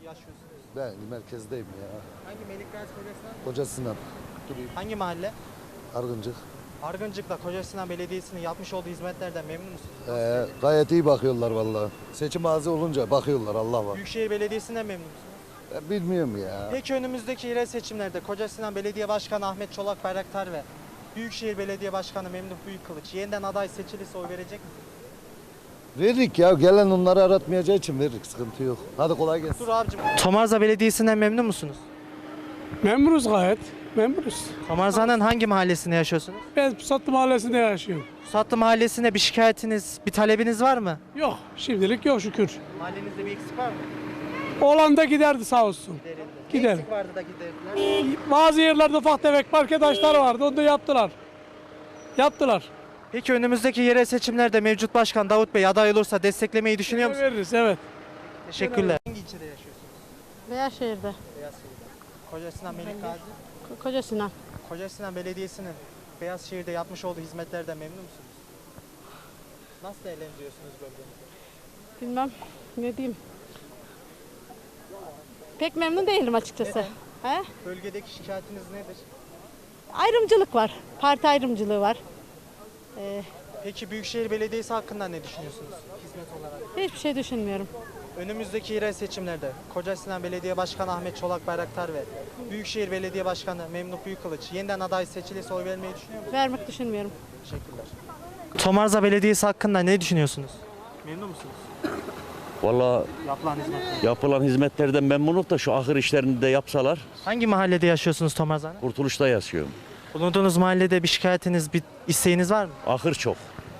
yaşıyorsunuz? Ben merkezdeyim ya. Hangi Melikgazi Kocasinan? Kocasinan. Hangi mahalle? Argıncık. Argıncık'ta Kocasinan Belediyesi'nin yapmış olduğu hizmetlerden memnun musunuz? Gayet iyi bakıyorlar vallahi. Seçim ağzı olunca bakıyorlar, Allah var. Büyükşehir Belediyesi'nden memnun musunuz? Ben bilmiyorum ya. Peki önümüzdeki yerel seçimlerde Kocasinan Belediye Başkanı Ahmet Çolak Bayraktar ve Büyükşehir Belediye Başkanı Memduh Büyükkılıç yeniden aday seçilirse oy verecek misiniz? Veririk ya, gelen onları aratmayacağı için veririk, sıkıntı yok. Hadi kolay gelsin. Dur abicim. Tomarza Belediyesi'nden memnun musunuz? Memnunuz gayet. Memnunuz. Tomarza'nın hangi mahallesinde yaşıyorsunuz? Ben Pusatlı Mahallesi'nde yaşıyorum. Suatlı Mahallesi'nde bir şikayetiniz, bir talebiniz var mı? Yok. Şimdilik yok şükür. Mahallenizde bir eksik var mı? Oğlan da giderdi sağ olsun. Ne Gider. eksik vardı da giderdiler? Bazı yerlerde ufak tefek parke taşları vardı. Onu da yaptılar. Yaptılar. Peki önümüzdeki yerel seçimlerde mevcut başkan Davut Bey aday olursa desteklemeyi düşünüyor musunuz? Veririz evet. Teşekkürler. Hangi ilçede yaşıyorsunuz? Beyazşehir'de. Beyazşehir'de. Kocasinan Melikgazi. Kocasinan. Kocasinan Belediyesi'nin Beyazşehir'de yapmış olduğu hizmetlerden memnun musunuz? Nasıl değerlendiriyorsunuz bölgenizi? Bilmem ne diyeyim. Pek memnun değilim açıkçası. Neden? He? Bölgedeki şikayetiniz nedir? Ayrımcılık var. Parti ayrımcılığı var. Peki Büyükşehir Belediyesi hakkında ne düşünüyorsunuz hizmet olarak? Hiçbir şey düşünmüyorum. Önümüzdeki yerel seçimlerde Kocasinan Belediye Başkanı Ahmet Çolak Bayraktar ve Büyükşehir Belediye Başkanı Memduh Büyükkılıç yeniden aday seçilirse oy vermeyi düşünüyor musunuz? Vermek düşünmüyorum. Teşekkürler. Tomarza Belediyesi hakkında ne düşünüyorsunuz? Memnun musunuz? Valla Yapılan hizmetler. yapılan hizmetlerden memnunum da şu ahır işlerini de yapsalar Hangi mahallede yaşıyorsunuz Tomarza'nın? kurtuluşta yaşıyorum. Bulunduğunuz mahallede bir şikayetiniz, bir isteğiniz var mı? Ahır çok.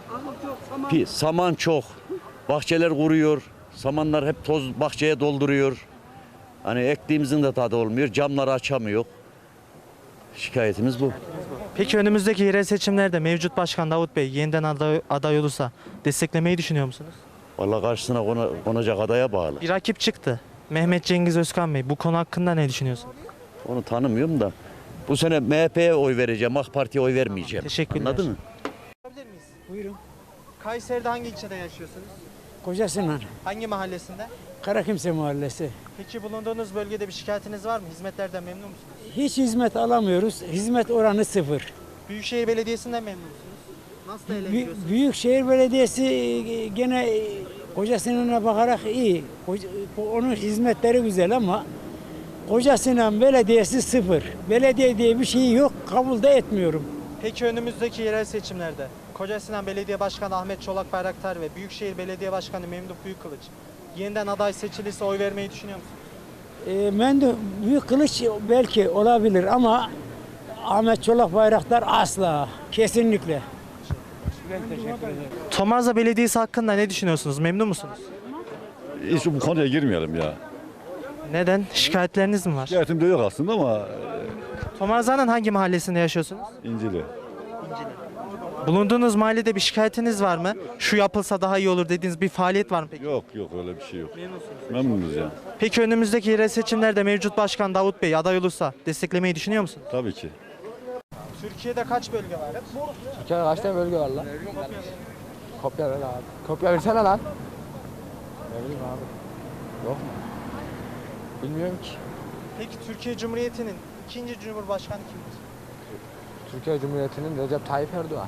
Saman çok. Bahçeler kuruyor. Samanlar hep toz bahçeye dolduruyor. Hani ektiğimizin de tadı olmuyor. Camları açamıyor. Şikayetimiz bu. Peki önümüzdeki yerel seçimlerde mevcut başkan Davut Bey yeniden aday olursa desteklemeyi düşünüyor musunuz? Valla karşısına konacak adaya bağlı. Bir rakip çıktı. Mehmet Cengiz Özkan Bey. Bu konu hakkında ne düşünüyorsunuz? Onu tanımıyorum da. Bu sene MHP'ye oy vereceğim. AK Parti'ye oy vermeyeceğim. Teşekkürler. Anladın mı? Sorabilir miyiz? Buyurun. Kayseri'de hangi ilçede yaşıyorsunuz? Kocasinan. Hangi mahallesinde? Karakimse Mahallesi. Peki bulunduğunuz bölgede bir şikayetiniz var mı? Hizmetlerden memnun musunuz? Hiç hizmet alamıyoruz. Hizmet oranı sıfır. Büyükşehir Belediyesi'nden memnun musunuz? Nasıl değerlendiriyorsunuz? Büyükşehir Belediyesi gene Kocasinan'a bakarak iyi. Onun hizmetleri güzel ama Kocasinan Belediyesi sıfır. Belediye diye bir şey yok. Kabul de etmiyorum. Peki önümüzdeki yerel seçimlerde Kocasinan Belediye Başkanı Ahmet Çolak Bayraktar ve Büyükşehir Belediye Başkanı Memduh Büyükkılıç yeniden aday seçilirse oy vermeyi düşünüyor musunuz? Memduh Büyükkılıç belki olabilir ama Ahmet Çolak Bayraktar asla. Kesinlikle. Ben teşekkür ederim. Tomarza Belediyesi hakkında ne düşünüyorsunuz? Memnun musunuz? Hiç bu konuya girmeyelim ya. Neden? Şikayetleriniz mi var? Şikayetim de yok aslında ama Tomarza'nın hangi mahallesinde yaşıyorsunuz? İncili. Bulunduğunuz mahallede bir şikayetiniz var mı? Şu yapılsa daha iyi olur dediğiniz bir faaliyet var mı peki? Yok öyle bir şey yok. Memnunuz ya. Peki önümüzdeki yerel seçimlerde mevcut başkan Davut Bey aday olursa desteklemeyi düşünüyor musunuz? Tabii ki. Türkiye'de kaç bölge var? Türkiye'de kaç tane bölge var lan? Kopya ver abi. Kopya versene lan. Ne bileyim abi. Yok mu? Bilmiyorum ki. Peki Türkiye Cumhuriyeti'nin ikinci Cumhurbaşkanı kimdir? Türkiye Cumhuriyeti'nin Recep Tayyip Erdoğan.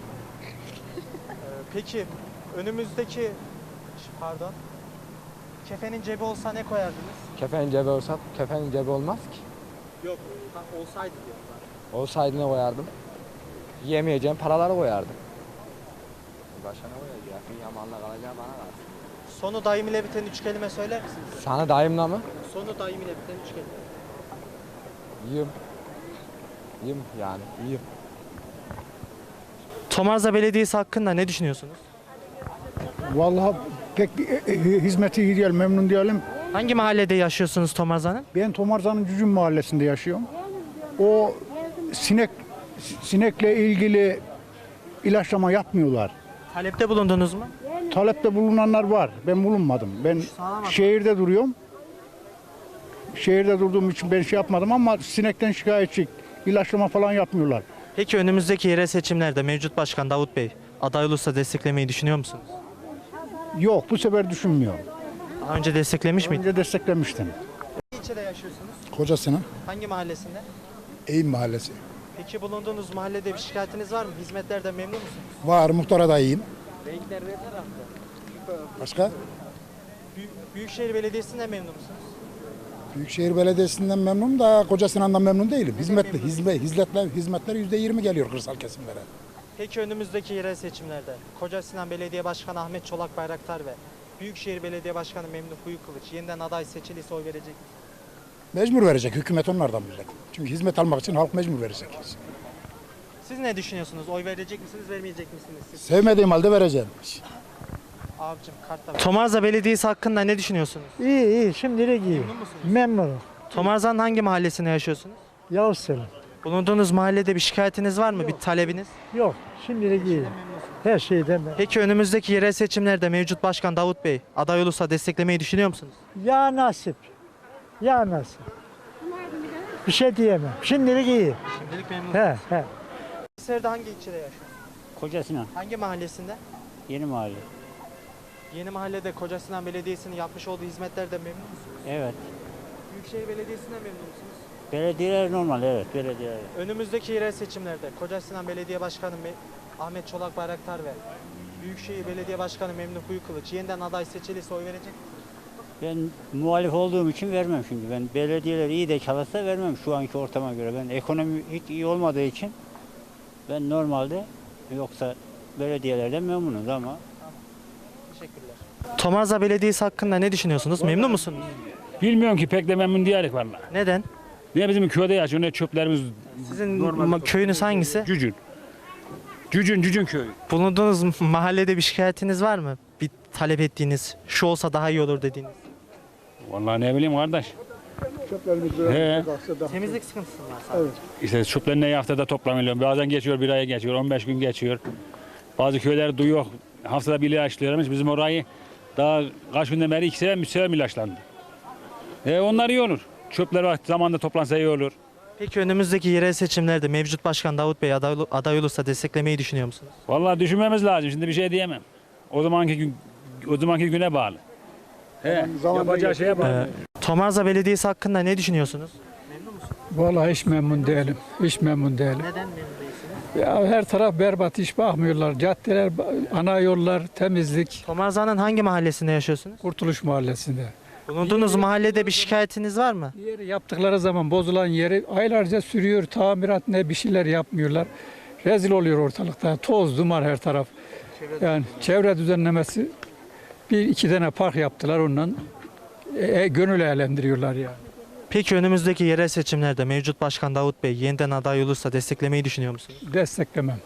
Peki önümüzdeki pardon kefenin cebi olsa ne koyardınız? Kefenin cebi olsa, kefenin cebi olmaz ki. Yok olsaydı diyorlar. Olsaydı ne koyardım? Yiyemeyeceğim paraları koyardım. Başka ne koyacak? Yamanla kalacağım bana kalsın. Sonu daim ile biten üç kelime söyler misiniz? Sana dayımla mı? Sonu daim ile biten üç kelime. Yiyeyim. Yiyeyim yani, yiyeyim. Tomarza Belediyesi hakkında ne düşünüyorsunuz? Vallahi pek hizmeti iyi değil, memnun değilim. Hangi mahallede yaşıyorsunuz Tomarza'nın? Ben Tomarza'nın Cücüm Mahallesi'nde yaşıyorum. O sinekle ilgili ilaçlama yapmıyorlar. Talepte bulundunuz mu? Talepte bulunanlar var. Ben bulunmadım. Ben şehirde duruyorum. Şehirde durduğum için ben şey yapmadım ama sinekten şikayetçi. İlaçlama falan yapmıyorlar. Peki önümüzdeki yerel seçimlerde mevcut başkan Davut Bey aday olursa desteklemeyi düşünüyor musunuz? Yok, bu sefer düşünmüyorum. Daha önce desteklemiş miydiniz? Önce desteklemiştim. ilçede yaşıyorsunuz? Kocasına. Hangi mahallesinde? Eğim Mahallesi. Peki bulunduğunuz mahallede bir şikayetiniz var mı? Hizmetlerden memnun musunuz? Var, muhtara da iyiyim. Başka? Büyükşehir Belediyesi'nden memnun musunuz? Büyükşehir Belediyesi'nden memnunum da Kocasinan memnun değilim. Hizmetler %20 geliyor kırsal kesimlere. Peki önümüzdeki yerel seçimlerde Kocasinan Belediye Başkanı Ahmet Çolak Bayraktar ve Büyükşehir Belediye Başkanı Memduh Büyükkılıç yeniden aday seçilirse oy verecek misiniz? Mecbur verecek, hükümet onlardan bilecek. Çünkü hizmet almak için halk mecbur verecek. Siz ne düşünüyorsunuz? Oy verecek misiniz, vermeyecek misiniz siz? Sevmediğim halde vereceğim. Abicim kartta. Tomarza Belediyesi hakkında ne düşünüyorsunuz? İyi şimdilik iyi. Memnun musunuz? Memnunum. Tomarza'nın hangi mahallesinde yaşıyorsunuz? Yavuz Selim. Bulunduğunuz mahallede bir şikayetiniz var mı? Bir talebiniz? Yok şimdilik iyi. Her şeyden ben. Peki önümüzdeki yerel seçimlerde mevcut başkan Davut Bey aday olursa desteklemeyi düşünüyor musunuz? Ya nasip. Ya nasip. Bir şey diyemem. Şimdilik iyi. Şimdilik memnun. He. Kayseri'de hangi ilçede yaşıyorsunuz? Kocasinan, Hangi mahallesinde? yeni mahalle. Yeni mahallede Kocasinan Belediyesi'nin yapmış olduğu hizmetlerden memnun musunuz? Evet. Büyükşehir Belediyesi'nden memnun musunuz? Belediyeler normal, evet, belediyeler. Önümüzdeki yerel seçimlerde Kocasinan Belediye Başkanı Ahmet Çolak Bayraktar ve Büyükşehir Belediye Başkanı Memduh Büyükkılıç yeniden aday seçilirse oy verecek misiniz? Ben muhalif olduğum için vermem şimdi. Ben belediyeler iyi de çalışsa vermem şu anki ortama göre. Ben ekonomi hiç iyi olmadığı için ben normalde yoksa belediyelerden memnunuz ama Teşekkürler. Tomarza Belediyesi hakkında ne düşünüyorsunuz? Memnun musunuz? Bilmiyorum ki pek de memnun değilik vallahi. Neden? Ne bizim köyde yaşıyor ne çöplerimiz Sizin köyünüz hangisi? Cücün. Cücün köyü. Bulunduğunuz mahallede bir şikayetiniz var mı? Bir talep ettiğiniz, şu olsa daha iyi olur dediğiniz. Vallahi ne bileyim kardeş. He. Temizlik sıkıntısı var sadece. İşte çöpler ne haftada toplanıyor. Bazen geçiyor, bir aya geçiyor, 15 gün geçiyor. Bazı köyler duyuyor, haftada bir ilaçlıyorlarmış. Bizim orayı daha kaç günden beri 2 sefer 3 sefer ilaçlandı. Onlar iyi olur. Çöpler vakti zamanında toplansa iyi olur. Peki önümüzdeki yerel seçimlerde mevcut başkan Davut Bey aday olursa desteklemeyi düşünüyor musunuz? Vallahi düşünmemiz lazım. Şimdi bir şey diyemem. O zamanki güne bağlı. Yapacağı şeye bağlı. Tomarza Belediyesi hakkında ne düşünüyorsunuz? Vallahi hiç memnun değilim. Hiç memnun değilim. Neden memnun değilsiniz? Ya her taraf berbat, hiç bakmıyorlar. Caddeler, ana yollar, temizlik. Tomarza'nın hangi mahallesinde yaşıyorsunuz? Kurtuluş Mahallesi'nde. Bulunduğunuz mahallede bir şikayetiniz var mı? Yeri yaptıkları zaman bozulan yeri aylarca sürüyor. Tamirat ne bir şeyler yapmıyorlar. Rezil oluyor ortalıkta. Toz, duman her taraf. Yani çevre düzenlemesi bir iki tane park yaptılar ondan. Gönül eğlendiriyorlar yani. Peki önümüzdeki yerel seçimlerde mevcut başkan Davut Bey yeniden aday olursa desteklemeyi düşünüyor musunuz? Desteklemem.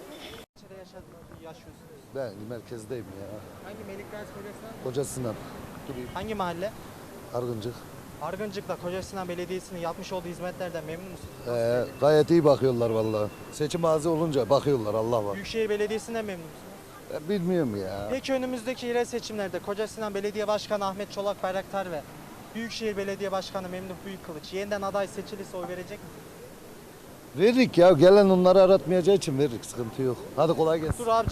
Ben merkezdeyim ya. Hangi Melikgazi Kocasinan? Kocasinan. Hangi mahalle? Argıncık. Argıncık'ta Kocasinan Belediyesi'nin yapmış olduğu hizmetlerden memnun musunuz? Gayet iyi bakıyorlar vallahi. Seçim ağzı olunca bakıyorlar Allah var. Büyükşehir Belediyesi'nden memnun musunuz? Ben bilmiyorum ya. Peki önümüzdeki yerel seçimlerde Kocasinan Belediye Başkanı Ahmet Çolak Bayraktar ve Büyükşehir Belediye Başkanı Memduh Büyükkılıç yeniden aday seçilirse oy verecek misiniz? Veririk ya. Gelen onları aratmayacağı için veririk. Sıkıntı yok. Hadi kolay gelsin. Dur abi.